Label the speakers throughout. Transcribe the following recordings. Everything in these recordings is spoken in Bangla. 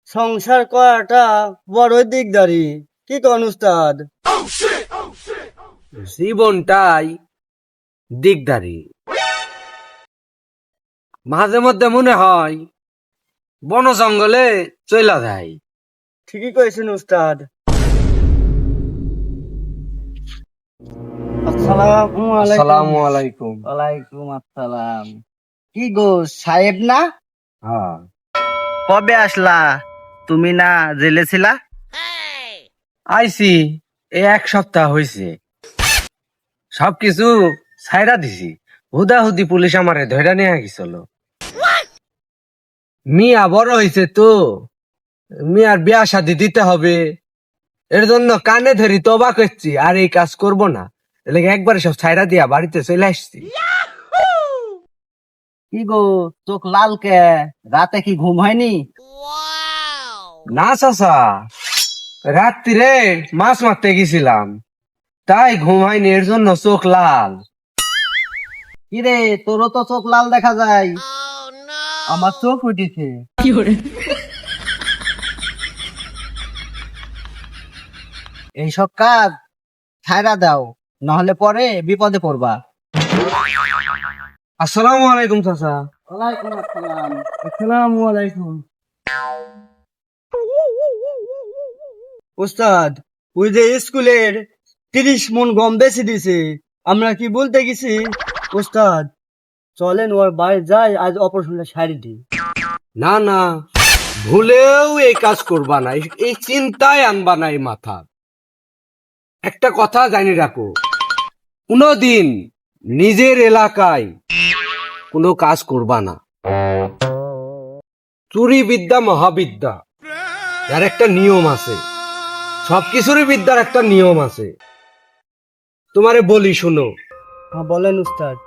Speaker 1: সংসার করাটা বড় দিকদারি, কি কোন উস্তাদ?
Speaker 2: জীবনটাই দিকদারি। মাঝে মধ্যে মনে হয় বন জঙ্গলে চইলা যায়।
Speaker 1: ঠিকই কয়েছেন উস্তাদ। আসসালামু আলাইকুম।
Speaker 2: আসসালামু আলাইকুম।
Speaker 1: ওয়ালাইকুম আসসালাম। কি গো সাহেব না?
Speaker 2: হ্যাঁ,
Speaker 1: কবে আসলা? তুমি না জেলে ছিলা?
Speaker 2: আইছি এই 1 সপ্তাহ হইছে। সবকিছু ছাইরা দিছি। হুদাহুদি পুলিশ আমারে ধইরা নিয়ে গেছিল। মিয়া বড় হইছে তো, মিয়ার বিয়া শাদি দিতে হবে, এর জন্য কানে ধরি তবা করছি আর এই কাজ করব না। এলাকা একবারে সব ছাইরা দিয়া বাড়িতে চলে আসছি।
Speaker 1: কি গো চোখ লাল কে? রাতে কি ঘুম হয়নি?
Speaker 2: না চাচা, রাত্রিরে মাছ মারতে গেছিলাম, তাই ঘুম হয়নি, এর জন্য চোখ লাল।
Speaker 1: কিরে তোরও তো চোখ লাল দেখা যায়। আমার চোখ উঠেছে। এইসব কাজ ছাইরা দাও, নহলে পরে বিপদে পড়বা।
Speaker 2: আসসালামু আলাইকুম চাচা।
Speaker 1: ওয়ালাইকুম আসসালাম।
Speaker 2: আসসালামু আলাইকুম।
Speaker 1: উস্তাদ, ওই যে স্কুলের 30 মণ গম বেশি দিছে, আমরা কি বলতে গেছি? উস্তাদ চলেন ওর বাড়ি যাই, আজ অপারেশনটা সারি দিই।
Speaker 2: না না, ভুলেও এই কাজ করবা না, এই চিন্তায় আনবা না এই মাথা। একটা কথা জানি রাখো, কোনদিন নিজের এলাকায় কোনো কাজ করবা না। চুরি বিদ্যা মহাবিদ্যা, যার একটা নিয়ম আছে। সবকিছুরই বিদ্যার একটা নিয়ম আছে। তোমারে বলি শুনো,
Speaker 1: হ্যাঁ বলেন উস্তাদ।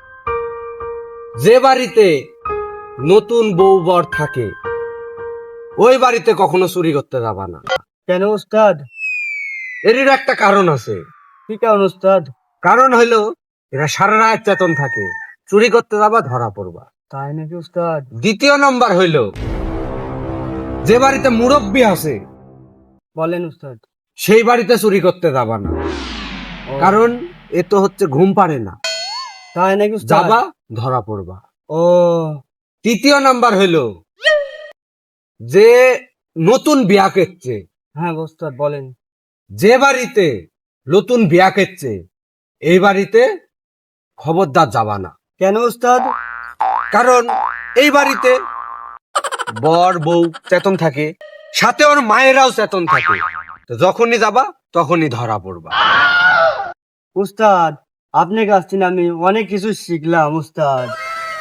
Speaker 2: যে বাড়িতে নতুন বউ বর থাকে, ওই বাড়িতে কখনো চুরি করতে যাবা না।
Speaker 1: কেন উস্তাদ?
Speaker 2: এরই একটা কারণ আছে।
Speaker 1: কি কারণ উস্তাদ?
Speaker 2: কারণ হইলো এরা সারা রাত চেতন থাকে, চুরি করতে যাবা ধরা পড়বা।
Speaker 1: তাই নাকি উস্তাদ?
Speaker 2: দ্বিতীয় নম্বর হইলো, যে বাড়িতে মুরব্বী আছে
Speaker 1: বলেন উস্তাদ।
Speaker 2: সেই বাড়িতে চুরি করতে যাবা না, কারণ এ তো হচ্ছে ঘুম পারে না।
Speaker 1: তাই নাকি উস্তাদ?
Speaker 2: যাবা ধরা পড়বা।
Speaker 1: ও
Speaker 2: তৃতীয় নাম্বার হইলো, যে নতুন বিয়া করছে,
Speaker 1: হ্যাঁ উস্তাদ বলেন।
Speaker 2: যে বাড়িতে নতুন বিয়া করছে এই বাড়িতে খবরদার যাবা না।
Speaker 1: কেন উস্তাদ?
Speaker 2: কারণ এই বাড়িতে বর বউ চেতন থাকে, সাথে ওর মায়েরাও চেতন থাকে। তো যখনই যাবা তখনই ধরা পড়বা।
Speaker 1: উস্তাদ আপনার কাছ থেকে আমি অনেক কিছু শিখলাম উস্তাদ।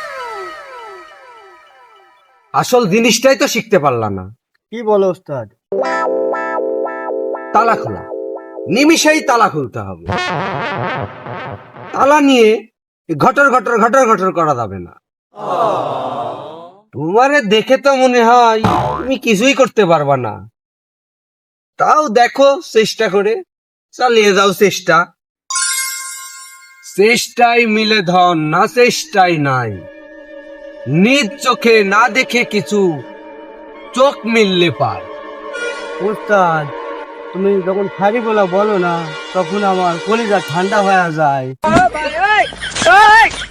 Speaker 2: আসল জিনিসটাই তো শিখতে পারলা না।
Speaker 1: কি বলো উস্তাদ?
Speaker 2: তালা খোলা, নিমিষেই তালা খুলতে হবে। তালা নিয়ে ঘটর ঘটর ঘটর ঘটর করা যাবে না। তোমারে দেখে তো মনে হয় তুমি কিছুই করতে পারবা না, তাও দেখো চেষ্টা করে, চালিয়ে যাও চেষ্টা। চেষ্টাই মিলে ধন, না চেষ্টাই নাই। নিজ চোখে না দেখে কিছু, চোখ মিললে পার।
Speaker 1: উস্তাদ তুমি যখন খারি বলো না, তখন আমার কলিজা ঠান্ডা হয়ে যায়।